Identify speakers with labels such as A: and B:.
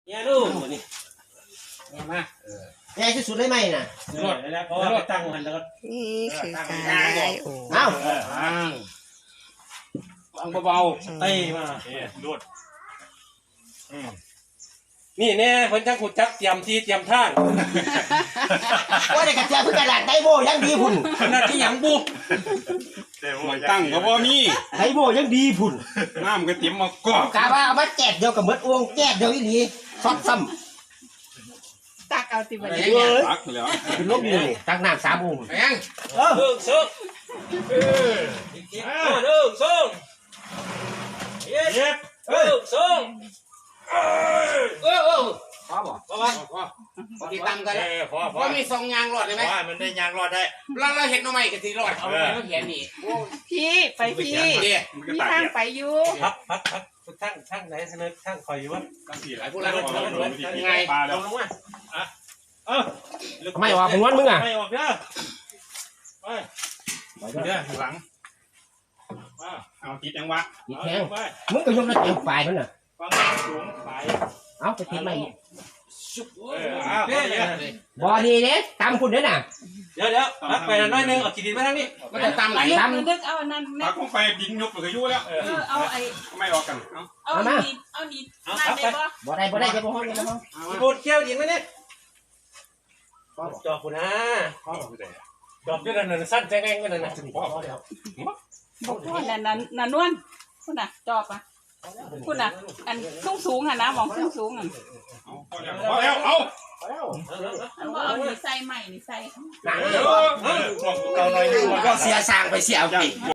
A: เนี่ยลูกนี่มา
B: ใหญ่ที่สุดเลยไหมน่ะ
A: รถแล้วเพราะว่าตั้งมันแล้วก็
C: นี่คือการย้ายโอ่ง
B: เอ้า
A: ตั้งเบาๆเต้มาลวดนี่แน่เพิ่นจังขุดจักเตรียมที่เตรียมทาง
B: ว่าได้กระเจียเพิ่งกระดาษไดโบยังดีพุ่น
A: ขนาดที่หยังบุ
D: ตั้งก็บ่มี
B: ไดโบยังดีพุ่น
D: น้ำก็เตรียมมากอก
B: ะว่าเอามาแจกเดียวกับเบิดอ้วงแจกเดียวอีหลีซอดซ้ำ
C: ตักเอาติบันนี้
D: ตักแล้ว
B: เป็นลบอยู่นี่ตักน้ำ3 องค์
A: แม่งเลิกซุกอีกทีเลิกซุกเย็บเลิกซุกพอบ่พอที่ตั้งกันพอมี2ยางรอดได้มั้ยมันได้ยางรอดได้เราเห็นเอาใหม่ก็สิรอดเอาไว้เขียนนี่
C: พี่ไปพี่มีทางไปอยู่
A: พัดทั้งไหนเสนอทั้งคอยอยู่วะทั้งสี่หลายผู้หลายยังไงลงมา
B: ไม่ออกม้วนมึงอ่ะ
A: ไม่ออกเด้อไปเด้อหลัง
D: เอาติดยังวะ
B: ติดแทงมึงก็ยกระเต็มฝ่ายมันน่ะ
A: ฟังสูงไป
B: เอาไปติดมาอีก
A: บ่
B: ดีเด้ตามคุณเด้อน่ะ
A: เดี๋ยวไปน้อยนึงเอาขีดินมาทางนี้มันจะตามไหน
C: ตามนึกเอานั่นแม่
D: ตักลงไปดินยุบเลยยุ่แล้ว
C: เอาไอ้
D: ไม่ออกกัน
C: เอานี่มาได้
B: บ่ได้จะบ่ฮ้อนจะบ่ฮ้อน
A: บูดเขี้ยวดินไหมเนี่ยจอบคุณนะจอบด้วยนั่นสั้นแจ้งกันนั่นนะ
C: บอกพ่อนั่นนวลคุณน่ะจอบอ่ะคุณน่ะอันสูงอ่ะนะมองสูงอ่ะ
D: พอแล้วเอา
C: เอานี่ใส่ใหม่นี่ใส่
D: เราหน่อยนึง
B: ก็เสียสร้างไปเสียเอา